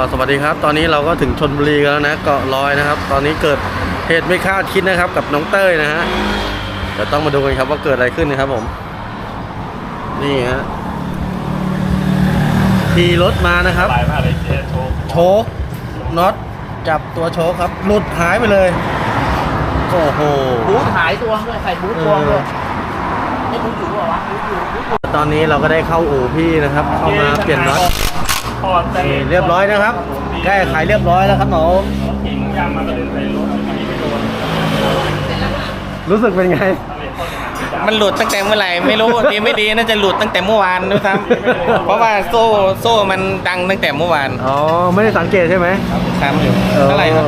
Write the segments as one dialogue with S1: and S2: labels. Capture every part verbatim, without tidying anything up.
S1: สวัสดีครับตอนนี้เราก็ถึงชลบุรีกันแล้วนะเกาะลอยนะครับตอนนี้เกิดเหตุไม่คาดคิดนะครับกับน้องเต้ยนะฮะเดี๋ยวต้องมาดูกันครับว่าเกิดอะไรขึ้นนะครับผมนี่ฮะขี่รถมานะครับโชคน็อตจับตัวโชคครับหลุดหายไปเลยโอ้โห
S2: บูทหายตัวด้วยใส่บูทตัวด้วยไม่บูทอยู่หรอวะบูทอยู่บูทอยู่
S1: ตอนนี้เราก็ได้เข้าอู่พี่นะครับเข้ามาเปลี่ยนน็อตเรียบร้อยนะครับแก้ไขเรียบร้อยแล้วครับหนูรู้สึกเป็นไง
S2: มันหลุดตั้งแต่เมื่อไหร่ไม่รู้ดีไม่ดีน่าจะหลุดตั้งแต่เมื่อวานนะครับเพราะว่าโซ่โซ่มันดังตั้งแต่เมื่อวาน
S1: อ๋อไม่ได้สังเกตใช่ไหม
S2: ครับอยู่เท่าไหร่ครับ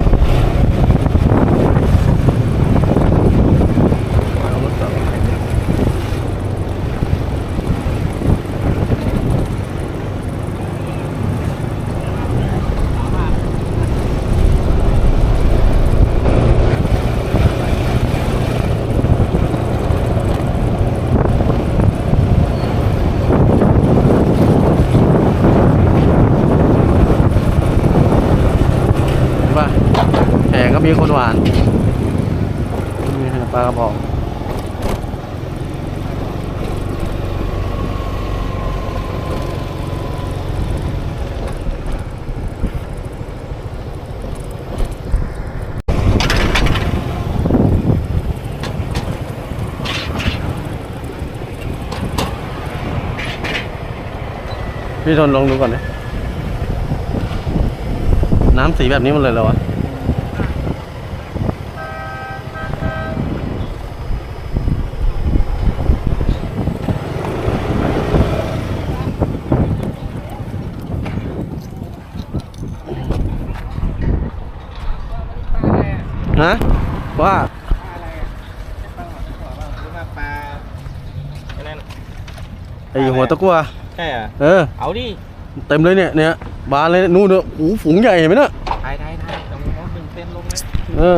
S1: แหก็มีคนหวานมีปลากระบอกพี่ทนลองดูก่อนนะน้ำสีแบบนี้มันเลยเหรอวะฮะว่าไอหัวตะกั่ว
S2: ใช่อ่ะ
S1: เออ
S2: เอาดิ
S1: เต็มเลยเนี่ยเนี่ยบานเลยนู่นเนอะโอ้ฝูงใหญ่เห็นไหมเนอะ
S2: ถ่ายถ่ายถ่ายตรงนี้หนึ่งเส้นลงนะ
S1: เออ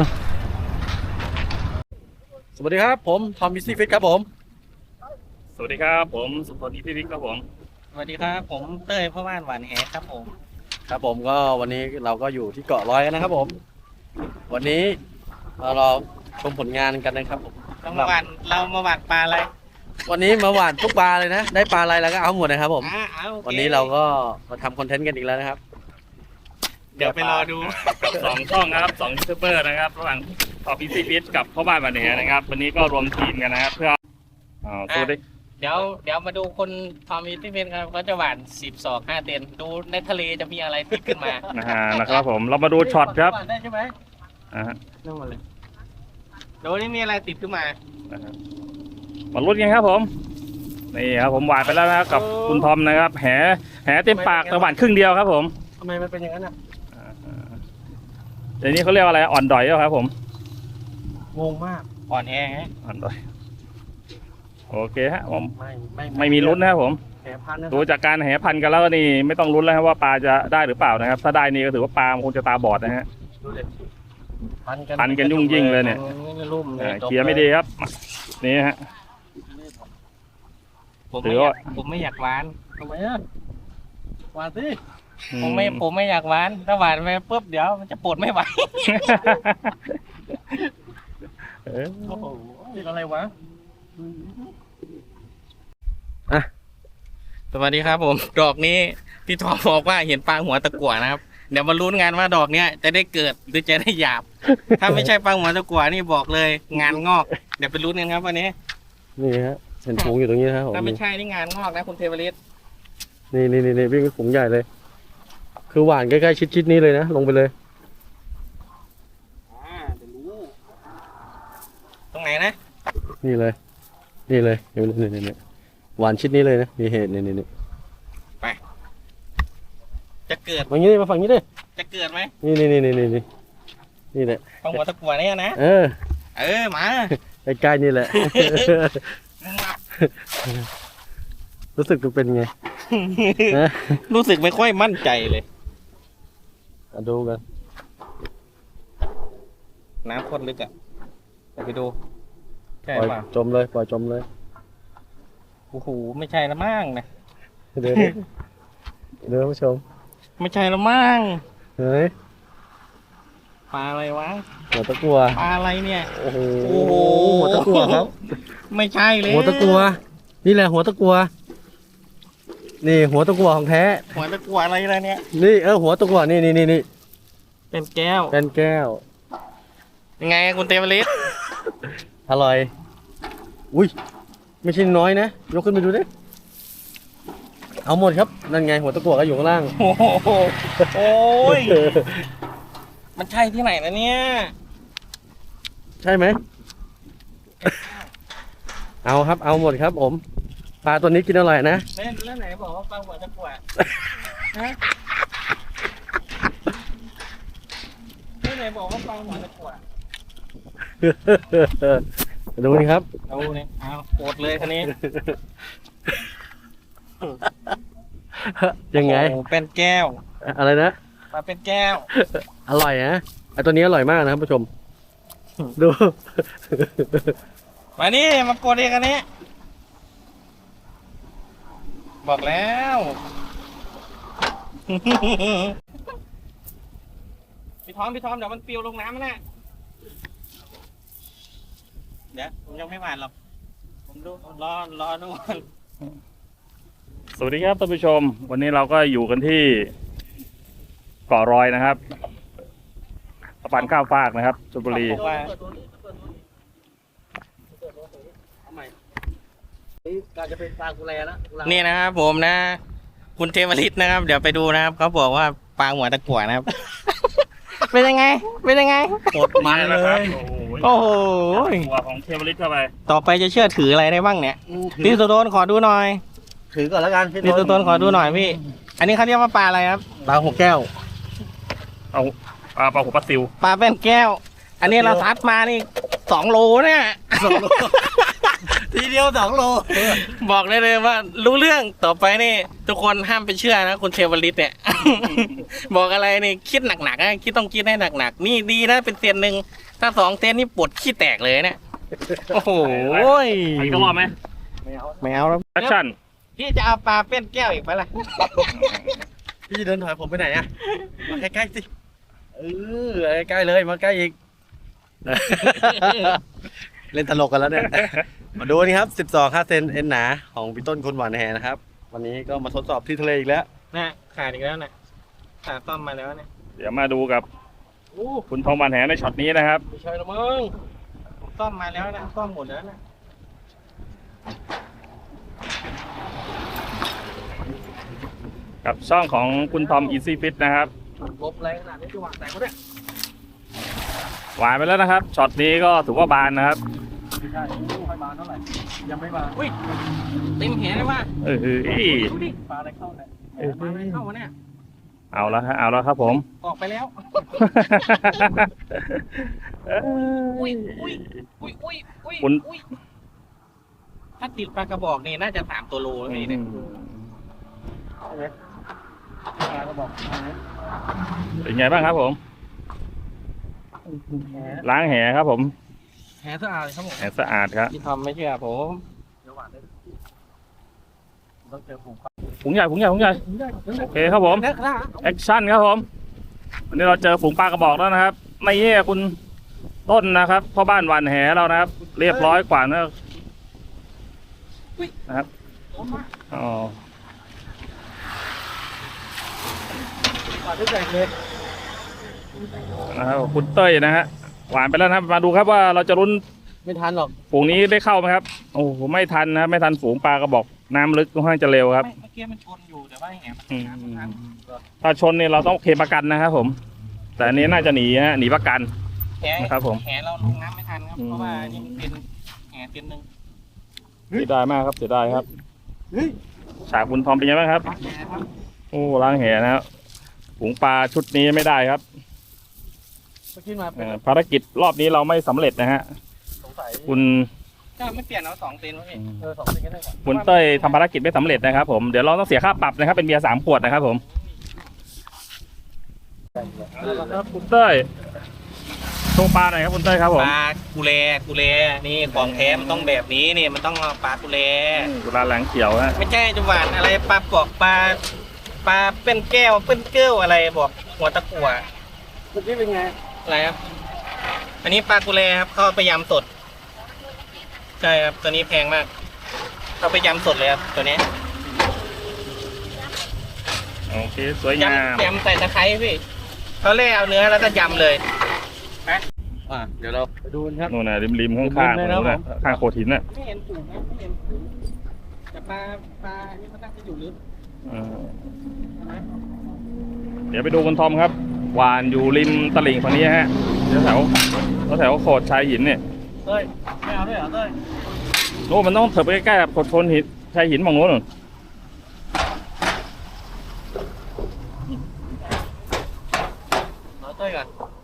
S1: สวัสดีครับผมทอมมิซี่ฟิตครับผม
S3: สวัสดีครับผมสุพลนิธิวิทย์ครับผม
S2: สวัสดีครับผมเต้ยพ่อบ้านหวานแหครับผม
S1: ครับผมก็วันนี้เราก็อยู่ที่เกาะลอยนะครับผมวันนี้เรารอชมผลงานกันนะครับผม
S2: เรามาหวานเรามาหวานปลาอะไร
S1: วันนี้มาหวานทุกปลาเลยนะได้ปลาอะไรแล้วก็เอาหมดนะครับผมวันนี้เราก็มาทำคอนเทนต์กันอีกแล้วนะครับ
S2: เดี๋ยวไปรอดู
S3: กับสองช่องนะครับสองยูทูบเบอร์นะครับระหว่างทอมมิซี่ฟิตกับพ่อบ้านหวานแหนะครับวันนี้ก็รวมทีมกันนะครับเพื่ออ๋อสวัสดี
S2: เดี๋ยวเดี๋ยวมาดูคนทอมมิซี่ฟิตครับเขาจะหวานสิบศอกห้าเต็นดูในทะเลจะมีอะไรติดขึ้นมา
S3: นะฮะนะครับผมเรามาดูช็อตครับ
S2: ได้ใช่ไหม
S3: อ่าฮะ
S2: นั่งมาเลยดูนี่มีอะไรติดขึ้นมา
S3: มาลุ้นกันครับผมนี่ครับผมหวานไปแล้วนะครับกับคุณทอมนะครับแหแหเต็มปากแต่หวานครึ่งเดียวครับผม
S2: ทำไมมันเป็นอย่างนั้นอ่ะ
S3: เดี๋ยวนี้เขาเรียกอะไรอ่อนดอยแล้วครับผม
S2: งงมากอ่อนแอไง
S3: อ่อนดอยโอเคฮะผมไม่ไม่ไม่มีลุ้นนะครับผมดูจากการแหพันกันแล้วนี่ไม่ต้องลุ้นแล้วครับว่าปลาจะได้หรือเปล่านะครับถ้าได้นี่ก็ถือว่าปลาคงจะตาบอดนะฮะพันกันยุ่งยิ่งเลยเนี่ยเขียไม่ดีครับนี่ฮะ
S2: ผมไม่อยากผมไม่อยากหวาน
S1: ทำไมอ่ะหวานสิ
S2: ผมไม่ผมไม่อยากหวานถ้าหวานไปปุ๊บเดี๋ยวมันจะปวดไม่ไหว
S1: โอ้โหอะไรวะอ่ะ
S2: สวัสดีครับผมดอกนี้พี่ทอมบอกว่าเห็นปลาหัวตะกั่วนะครับเดี๋ยวมาลุ้นงานว่าดอกเนี้ยจะได้เกิดหรือจะได้หยาบถ้าไม่ใช่ปลาหัวตะกั่วนี่บอกเลยงานงอกเดี๋ยวไปลุ้นกันครับวันนี้
S1: นี่ฮะเห็นฝูงอยู่ตรงนี้นะครับ
S2: ถ้าไม่ใช่นี่งานงอกนะคุณเทวฤทธิ์
S1: นี่นี่นี่นี่วิ่งฝูงใหญ่เลยคือหวานใกล้ๆชิดๆนี้เลยนะลงไปเลย
S2: อ่าเดี๋ยวรู้ตรงไหนนะ
S1: นี่เลยนี่เลยนี่นี่นี่หวานชิดนี้เลยนะมีเหตุนี่นี่นี่
S2: ไปจะเกิด
S1: ฝั่งนี้มาฝั่งนี้ดิ
S2: จะเกิดไหม
S1: นี่นี่นี่นี่นี่นี่นี่แหละ
S2: ปลาหัวตะกั่วเนี่ยนะ
S1: เออ
S2: เออมา
S1: ใกล้ๆนี่แหละรู้สึกเป็นไง
S2: รู้สึกไม่ค่อยมั่นใจเลย
S1: ดูกัน
S2: น้ำข้นลึกอ่ะไปดู
S1: ปล่อยจมเลยปล่อยจมเลย
S2: โอ้โหไม่ใช่ละมั่งนะ
S1: เดี๋ยวเดี๋ยวผู้ชม
S2: ไม่ใช่ละมั้ง
S1: เฮ้ย
S2: ปลาอะไรวะ
S1: หัวตะกัว
S2: ปลาอะไรเนี่ย
S1: โอ้โห
S2: โอ้โห
S1: หัวตะกัวครับ
S2: ไม่ใช่เลย
S1: หัวตะกัว นี่แหละหัวตะกัว นี่หัวตะกัวของแท้
S2: หัวตะกัวอะไรล่ะเนี่ย
S1: นี่เออหัวตะกัวนี่นี่นี่นี่
S2: เป็นแก้ว
S1: เป็นแก้ว
S2: ยังไงคุณเตมลิส
S1: อร่อย อุ้ย ไม่ใช่น้อยนะ ยกขึ้นไปดูดิ เอาหมดครับ นั่นไงหัวตะกั่วก็อยู่ข้างล่าง
S2: โอ้โหโอ้ย มันใช่ที่ไหนนะเนี่ย
S1: ใช่ไหม เอาครับ เอาหมดครับผม ปลาตัวนี้กินอร่อยนะ
S2: เล่นแล้วไหนบอกว่าปลาหัวตะกั่วฮะแล้วไหนบอกว่าปลาหัวตะกั่ว
S1: ดูนี่ครับ
S2: เอาเนี่ยเอาโกรธเลยคันนี้
S1: ยังไง
S2: โอ้โหเป็นแก้ว
S1: อะไรนะ
S2: ปลาเป็นแก้ว
S1: อร่อยนะไอตัวนี้อร่อยมากนะครับผู้ชม ดู
S2: มานี่มากดเองคันนี้ บอกแล้ว พี่ทอมพี่ทอมเดี๋ยวมันปลิวลงน้ำนะเดี๋ยวผมยังไม่หวานหรอก ผมดูรอรอดูก่อน
S3: สวัสดีครับท่านผู้ชม วันนี้เราก็อยู่กันที่เกาะรอยนะครับสะพานข้ามฟากนะครับชลบุรี
S2: ว่า
S1: การจะเป็นปลากุแลนะ
S2: นี่นะครับผมนะ คุณเทวริตนะครับ เดี๋ยวไปดูนะครับเขาบอกว่าปลาหัวตะกั่วนะครับ เป็นยังไง เป็นยังไง
S1: สดมันเลย
S3: โอ้โห
S2: โอ้โห
S3: ตัวของเทวลิตเข้าไป
S2: ต่อไปจะเชื่อถืออะไรได้บ้างเนี่ยพี่สุโตนขอดูหน่อย
S1: ถือก่อนแล้วกัน
S2: พี่สุโตนขอดูหน่อยพี่ อันนี้เขาเรียกว่าปลาอะไรครับ
S1: ปลาหัวแก้ว
S3: เอาปลาปลาหัวปลาซิว
S2: ปลาเป็นแก้ว อันนี้เราซัดมานี่สองโลเนี่ย
S1: สองโล ทีเดียวสองโล
S2: บอกได้เลยว่ารู้เรื่องต่อไปนี่ ทุกคนห้ามไปเชื่อนะคุณเทวริตเนี่ย บอกอะไรนี่คิดหนักๆนะคิดต้องคิดให้หนักๆนี่ดีนะเป็นเซียนหนึ่งถ้าสองเซียนนี่ปวดขี้แตกเลยเนี่ยโอ้โห
S3: อันนี้ก็รอดไหม
S2: ไม่เอาแล้ว
S3: แอคชั่น
S2: พี่จะเอาปลาเป็นแก้วอีกไหมล่ะ
S1: พี่เดินถอยผมไปไหนอะมาใกล้ๆสิ เออใกล้ๆเลยมาใกล้อีก เล่นตลกกันแล้วเนี่ย มาดูนี่ครับสิบสองค่าเซนเอ็นหนาของพี่ต้นคนหวานแหนะครับ วันนี้ก็มาทดสอบที่ทะเลอีกแล้ว
S2: นะขาดอีกแล้วนะขาดต้อมมาแล้วเนี่ย
S3: เดี๋ยวมาดูกับ
S2: โอ้
S3: คุณทองบานแหในช็อตนี้นะครับ
S2: ไม่ใช่ละมึงต้อมมาแล้วนะต้อมหมดแล้วนะ
S3: กับช่องของคุณทอมอีซี่ฟิตนะครับ
S2: ลบแรงขนาดนี้จะหวานแตกก็ได้
S3: หวานไปแล้วนะครับช็อตนี้ก็ถือว่าบานนะครับ
S1: ไม่ใช่ไม่บานเท่าไหร่ ยังไม่บาน
S2: อุ้ยเต็มแหเลยว่ะ
S3: เออเออ
S2: ดูดิ
S1: ปลาอะไรเข้าเนี่ย
S3: เออ
S2: ปลาอะไรเข้าวะเนี่ย
S3: เอาแล้วฮะเอาแล้วครับผม
S2: ออกไปแล้ว อุ้ยอุ้ยอุ้ยอุ้ยอุ้ย
S3: คุณ
S2: อุ้ยถ้าติดปลากระบอกนี่น่าจะสามตัวโลแล้วนี่เนี่ย
S1: ปลาก็บอก
S3: เป็นไงบ้างครับผม ล้างแหครับผม
S2: แหสะอาดเลยครับผม
S3: แหสะอาดครับ
S2: พี่ทอมไม่เชื่อผม
S1: เดี๋ยวหวานได้ต้องเจอผม
S3: ฝูงใหญ่ฝูงใหญ่ฝูงใหญ่โอเคครับผม
S2: นะครั
S3: แอคชั่นครับผม วันนี้เราเจอฝูงปลากระบอกแล้วนะครับไม่เย่คุณต้นนะครับพ่อบ้านหวานแหเรานะครับ เรียบร้อยกว่านะครับอ๋อ
S1: ปลาที่ใหญ่เลย
S3: นะครับคุณเต้ยนะฮะหวานไปแล้วนะครับมาดูครับว่าเราจะรุ้น
S1: ไม่ทันหรอก
S3: ฝูงนี้ได้เข้าไหมครับโอ้โหไม่ทันนะครับไม่ทันฝูงปลากระบอกน้ำลึกค่อนข้างจะเร็วครับ
S2: ไม่เมื่อกี้มันชนอยู่แต่ว่าแหมัน
S3: อืม
S2: ทัน
S3: ถ้าชนเนี่ยเราต้องเคลมประกันนะครับผม แต่อันนี้น่าจะหนีฮะหนีประกัน
S2: แห
S3: นะครับผม
S2: แหเราลงน้ำไม่ทันครับ
S3: อืม
S2: เพราะว่านี่มันเป็นแหเส้นหนึ่ง
S3: เสียดายมากครับเสียดายครับ
S1: เฮ้ย
S3: ฉากคุณทอมเป็นยังไงบ้างครับ
S2: แหครับ
S3: โอ้ล้างแหนะครับฝูงปลาชุดนี้ไม่ได้ครับ
S1: เมื่อกี้มาเป็
S3: เอ่
S1: น
S3: อภารกิจรอบนี้เราไม่สำเร็จนะฮะ
S1: สงสัย
S3: คุณ
S2: ก็ไม่เปลี่ยนเอาสองเซนวะพี่
S1: เออสองสิ่งกันได้ก่อน
S3: คุณเต้ยทำภารกิจไม่สำเร็จนะครับผมเดี๋ยวเราต้องเสียค่าปรับนะครับเป็นเบียร์สามขวดนะครับผมครับคุณเต้ยโชว์ปลาหน่อยครับคุณเต้ยครับผม
S2: ปลากุเลกุเลนี่ของแท้มันต้องแบบนี้นี่มันต้องเอาปลากุเล
S3: กุลาแหลงเขียวฮะ
S2: ไม่ใช่จะหวานอะไรปลาปอกปลาปลาเป็นแก้วเป็นเกลียวอะไรบอกหัวตะกั่ว
S1: เมื่อกี้เป็นไง
S2: อะไรครับ อันนี้ปลากุเลครับเขาเอาไปยำสดใช่ครับตัวนี้แพงมากเอาไปยำสดเลยครับตัวนี้
S3: โอเคสวยงาม
S2: ยำยำใส่ตะไคร้พี่เขาเล่เอาเนื้อแล้วก็ยำเลย
S1: อ่ะเดี๋ยวเราไปดูกันครับ
S3: นู่นน่ะริมริมๆข้างข้าง
S1: ริมๆเลยนะ
S3: นู่นน่ะ
S1: ผม
S3: ข้างโขดหินน่ะ
S2: ไม่เห็นถุงนะไม่เห็นถุงแต่ปลาปลานี่มันน่าจะอยู่ลึก
S3: เออเดี๋ยวไปดูคุณทอมครับหวานอยู่ริมตลิ่งฝั่งนี้ฮะแถวแถวแถวโขดชายหินเนี่ย
S1: เต้ยไม่เอาด้วยเหรอเต้ย
S3: โน่นมันต้องเถิบไปใกล้ๆกับโขดชนหินชายหินฝั่งโน้นนู่น
S1: เอาเต้ยก่อน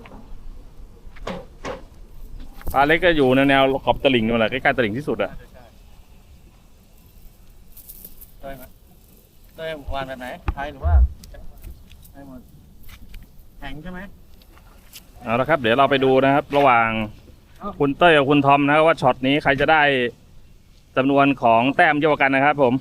S3: ปลาเล็กก็อยู่ในแนวขอบตลิ่งนู่นแหละใกล้ๆตลิ่งที่สุดอะ
S1: เต้ยมาเต้ยวานแบบไหนไทยหรือว่าไทยหมดแข็งใช่ไหม
S3: เอาละครับ เดี๋ยวเราไปดูนะครับ ระหว่างคุณเต้ยกับคุณทอมนะครับว่าช็อตนี้ใครจะได้จำนวนของแต้มเยอะกว่ากันนะครับผม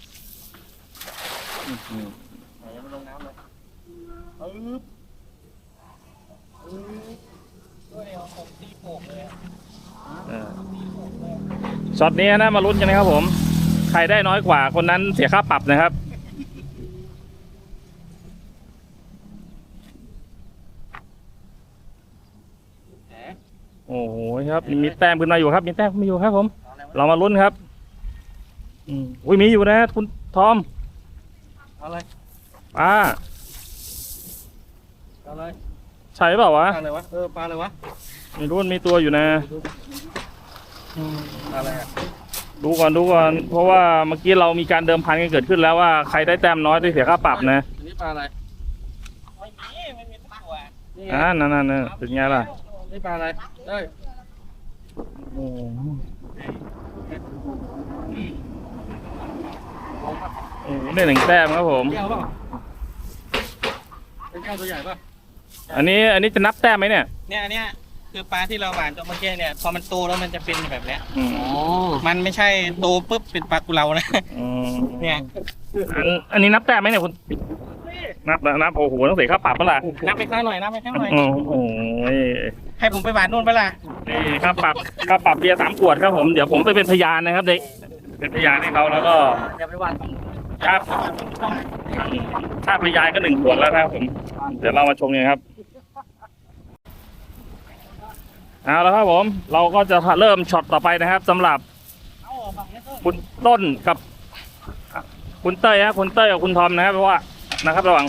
S1: ไหนยังไม่ลงน้ำเลยปึ๊บปึ๊บ
S2: ด้วยเอาผมตีโป่งเลยอะ
S3: เออช็อตนี้นะมาลุ้นกันนะครับผม ใครได้น้อยกว่าคนนั้นเสียค่าปรับนะครับ
S1: แหม
S3: โอ้โหครับมีแต้มขึ้นมาอยู่ครับ มีแต้มขึ้นมาอยู่ครับผม เรามาลุ้นครับ อืมอุ้ยมีอยู่นะคุณทอม
S1: เอาเลย
S3: ป้า
S1: เอาเลย
S3: ใช่เปล่าวะ
S1: ปลาอะไรวะเออปลาอะไรวะ
S3: ไม่รู้มันมีตัวอยู่นะ
S1: ปลาอะไรอ่ะ
S3: ดูก่อนดูก่อนเพราะว่าเมื่อกี้เรามีการเดิมพันกันเกิดขึ้นแล้วว่าใครได้แต้มน้อยได้เสียค่าปรับนะ
S1: อันนี้ปลาอะไร
S2: ไม่มีไม่มีตะกั่ว
S1: นี่ไง
S3: อ่านั่นนั่นนั่นเป็นไงล่ะ
S1: นี่ปลาอะไรเต้ย
S3: โอ้โหโอ้โหได้หนึ่งแต้มครับผม
S1: แก้วเปล่าเป็นแก้วตัวใหญ่ป่ะ
S3: อันนี้อันนี้จะนับแต้มไหมเนี่ย
S2: เนี่ยอันเนี้ยคือปลาที่เราหวานตัวเมื่อกี้เนี่ยพอมันโตแล้วมันจะเป็นแบบเนี้ย
S3: อืม
S1: อ๋อ
S2: มันไม่ใช่โตปุ๊บเป็นปลากุเลานะ
S3: อืม
S2: เนี่ย
S3: อันอันนี้นับแต้มไหมเนี่ยคุณนับนะนับโอ้โหต้องเสียค่าปรับเปะล่ะ
S2: นับไปข้างหน่อยนับไปข้างหน่อย
S3: โอ้โห
S2: ให้ผมไปหวานนู่นไปะล่ะ
S3: นี่ค่าปรับค่าปรับเบียร์สามขวดครับผมเดี๋ยวผมไปเป็นพยานนะครับเด็กเป็นพยานให้เขาแล้วก็
S1: อย่าไปหวาน
S3: ครับค่าพยานก็หนึ่งขวดแล้วนะครับผมเดี๋ยวเรามาชมกันครับเอาแล้วครับผม เราก็จะเริ่มช็อตต่อไปนะครับสำหรับคุณต้นกับคุณเต้ยฮะคุณเต้ยกับคุณทอมนะครับเพราะว่านะครับระหว่าง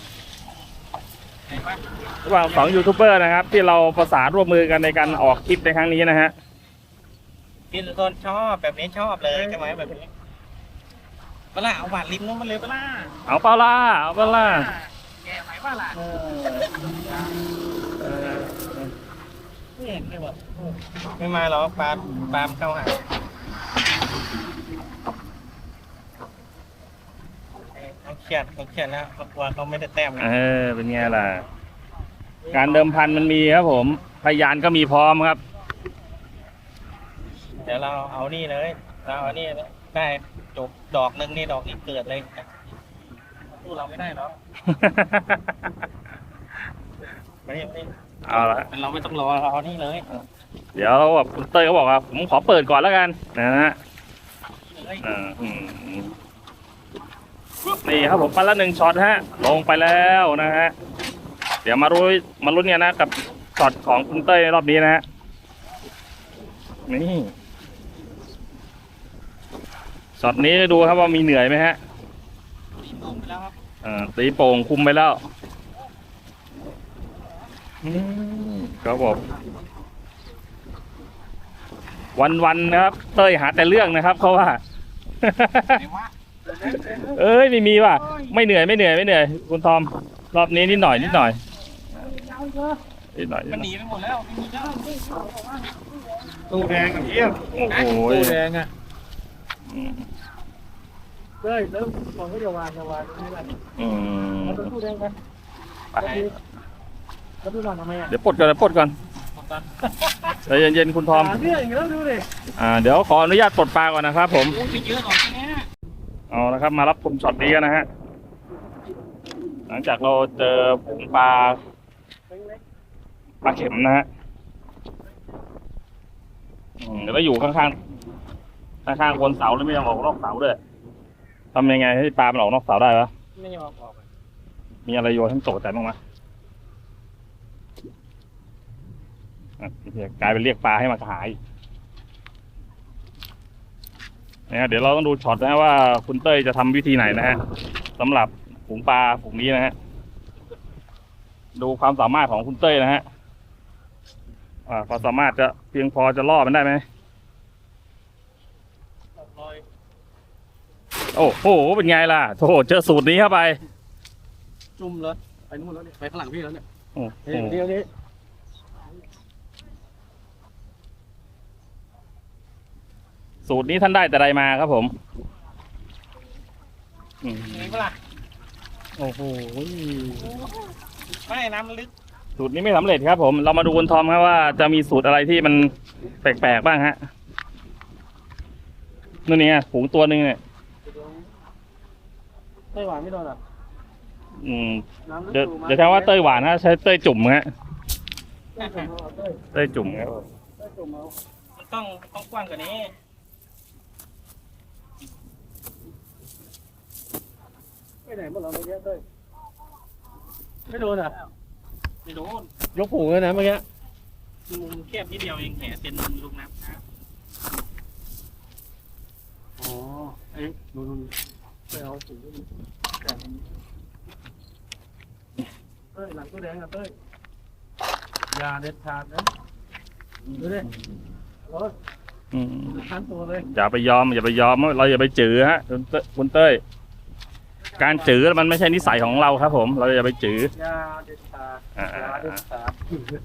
S3: ระหว่างสองยูทูบเบอร์นะครับ ที่เราประสานร่วมมือกันในการออกคลิปในครั้งนี้นะฮะ
S2: พี่ต้นชอบแบบนี้ชอบเลยใช่ไหมแบบนี้ปะล่ะเอาหวานริมนู้นมาเลยปะล่ะ
S3: เอาเปล่าล่ะเอาเปล่าล่ะ
S2: แกไหวปะล่ะไม่เห็นเลยแบบไม่มาหรอกปลาปลาเข้าหาเขาเครียดเขาเครียดแล้วเขากลัวเขาไม่ได้แต้ม
S3: เออเป็นไงล่ะ การเดิมพันมันมีครับผม พยานก็มีพร้อมครับ
S2: เดี๋ยวเราเอานี่เลยเราเอานี่ได้จบดอกหนึ่งนี่ดอกอีกเกิดเลยสู้เราไม่ได้หรอกไม่ไม่
S3: เอาละ
S2: เราไม่ต้องรอเราเอานี่เลย
S3: เดี๋ยวแบบคุณเต้ยเขาบอกว่าผมขอเปิดก่อนแล้วกันนะฮะอ่าอืมนี่ครับผมไปละหนึ่งช็อตฮะ ลงไปแล้วนะฮะ เดี๋ยวมารู้มาลุ้นกันนะกับช็อตของคุณเต้ยในรอบนี้นะฮะ นี่ช็อตนี้ดูครับว่ามีเหนื่อยไหมฮะ
S2: ตีโป่งไปแล้วครับ
S3: อ่าตีโป่งคุมไปแล้วอืมครับผมวันๆนะครับ เต้ยหาแต่เรื่องนะครับเขาว่า
S2: ไหนวะ
S3: เอ้ยไม่มีว่ะไม่เหนื่อยไม่เหนื่อยไม่เหนื่อยคุณทอมรอบนี้นิดหน่อยนิดหน่อยนิดหน่อยนิด
S2: มัน
S3: ห
S2: ห
S3: น่อย
S2: นีไปหมดแล้วไม่มีแล้ว
S1: ตู้แดงกับเยี่ยม
S3: โอ้โห
S1: ตู้แดงอ่ะ
S3: อืม
S1: เต้ยแล้วบอกว่าอย่าวานอย่าวานตรงนี้แหละ
S3: อืม
S1: เอาตู้แดงไป
S3: ไป
S1: แล้วตู้วานทำไมอ่ะ
S3: เดี๋ยวปลดก่อนเดี๋ยวปลดก่อนใจเย็นๆคุณทอม
S1: หาเรื่องอีกแล้วดูดิ
S3: อ่าเดี๋ยวขออนุญาตปลดปลาก่อนนะครับ ผม
S2: โอ้ยไปเยอะหรอกเนี่ย
S3: เอาละครับมารับชมช็อตนี้กันนะฮะหลังจากเราเจอฝูงปลาปลาเข็มนะฮะอืมเดี๋ยวก็อยู่ข้างๆข้างๆคนเสาแล้วไม่ยอมออกนอกเสาด้วยทำยังไงให้ปลามันออกนอกเสาได้วะ
S2: ไม่ยอมออก
S3: มีอะไรโยนให้มันตกใจบ้างไหมอ่ะกลายเป็นเรียกปลาให้มาขายนะฮะเดี๋ยวเราต้องดูช็อตนะว่าคุณเต้ยจะทำวิธีไหนนะฮะสำหรับฝูงปลาฝูงนี้นะฮะดูความสามารถของคุณเต้ยนะฮะอ่าความสามารถจะเพียงพอจะล่อมันได้ไหมโอ้โหเป็นไงล่ะโถเจอสูตรนี้เข้าไป
S1: จุ่มเลยไปนู่นแล้วเนี่ยไปข้างหลังพี่แล้วเนี่ย
S3: โอ้โห
S1: เดี๋ยวนี้
S3: สูตรนี้ท่านได้แต่ใดมาครับผมอืม
S2: มีเปล่า
S3: โอ้โห
S2: ไม่น้ำลึก
S3: สูตรนี้ไม่สำเร็จครับผมเรามาดูคุณทอมครับว่าจะมีสูตรอะไรที่มันแปลกๆบ้างฮะนู่นนี่ไงฝูงตัวหนึ่งเนี่ย
S1: ไต้หวันไม่โดนอ่ะ
S3: อืมเดี๋ยวเดี๋ยวแทนว่าเต้ยหวานฮะใช้เต้ยจุ่มฮะเต้ยจุ่มครับ
S2: มันต้องต้องกว้างกว่านี้
S1: ไปไหนหมดเราเมื่อกี้เต้ยไม่โดนอ่ะ
S2: ไม่โดน
S1: ยกผูเลยนะเมื่อกี้
S2: มุมแคบนิดเดียวเองแหมเป็นลูกน้ำนะ
S1: อ๋อไอ้ดูดูไปเอาผูแต่เต้ยหลังตัวแดงอ่ะเต้ยยาเด็ดขาดนะดูดิรถ
S3: อืม
S1: ทันตัวเลย
S3: อย่าไปยอมอย่าไปยอมเราอย่าไปจื้อฮะคุณเต้ยคุณเต้ยการจื้อมันไม่ใช่นิสัยของเราครับผม เราอย่าไปจื้อย
S1: าเด็ดขาด
S3: อ่าย
S1: าเด็ดขาด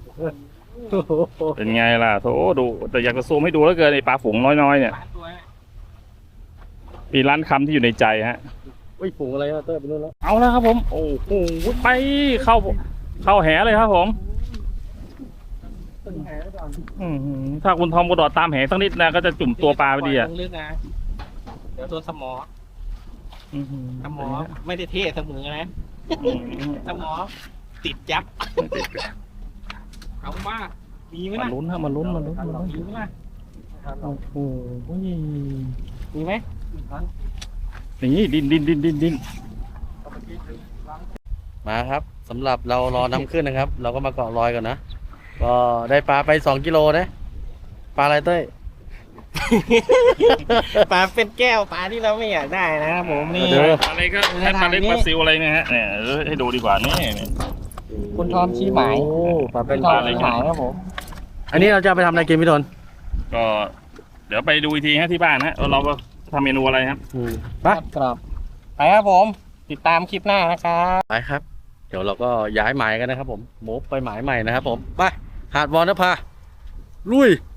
S3: เป็นไงล่ะโถดูแต่อยากจะซูมให้ดูแล้วเกินไอ้ปลาฝูงน้อยๆเนี่ย
S2: ล้านตัวนะ
S3: มีร้านคำที่อยู่ในใจฮะ
S1: อุ้ยฝูงอะไรอ่ะเต้ยไปนู่นแล้ว
S3: เอาแล้วครับผม โอ้โหไปเข้าเข้าแหเลยครับผม
S1: ตึงแหไว้ก่อน
S3: อื้อหือถ้าคุณทอมกระโดดตามแหสักนิดนะก็จะจุ่มตัวปลาไปดีอ่ะ
S2: ลงลึกนะเดี๋ยวตัวสมอ
S3: อื้อหือ
S2: สมอไม่ได้เท่เสมอนะ
S3: อื้อหือ
S2: สมอติดยับเอาว่ามีไหม
S3: มา
S2: ล่ะ
S3: ลุ้นฮะมาลุ้นมาลุ้นมาลุ้น
S2: มีไหมล่ะ
S3: โอ้โห
S2: มีไหม
S3: นี่ดินดินดินดินดิน
S1: มาครับสำหรับเรารอน้ำขึ้นนะครับ เราก็มาเกาะรอยก่อนนะ ก็ได้ปลาไปสองกิโลนะปลาอะไรเต้ย
S2: ปลาเป็นแก้วปลาที่เราไม่อยากได้นะครับผมนี่
S3: เดี๋ยวอะไรก็ให้ปลาเล็กปลาซิวอะไรเนี่ยฮะเนี่ยเออให้ดูดีกว่านี่เนี่ย
S2: คุณทอมชี้หมาย
S1: โอ้ปลาเป็น
S2: คุณท
S1: ป
S2: อ
S1: ลาม อะไร
S2: ชี้หมายครับผม
S1: อันนี้เราจะเอาไปทำอะไรกินพี่ทน
S3: ก็ เดี๋ยวไปดูอีกทีฮะที่บ้านฮะเราก็ทำเมนูอะไรครับ
S1: อืมไป
S2: ครับไปครับผม ติดตามคลิปหน้านะครับ
S1: ไปครับ เดี๋ยวเราก็ย้ายหมายกันนะครับผมโมบไปหมายใหม่นะครับผมไปหาดวอนนภาลุย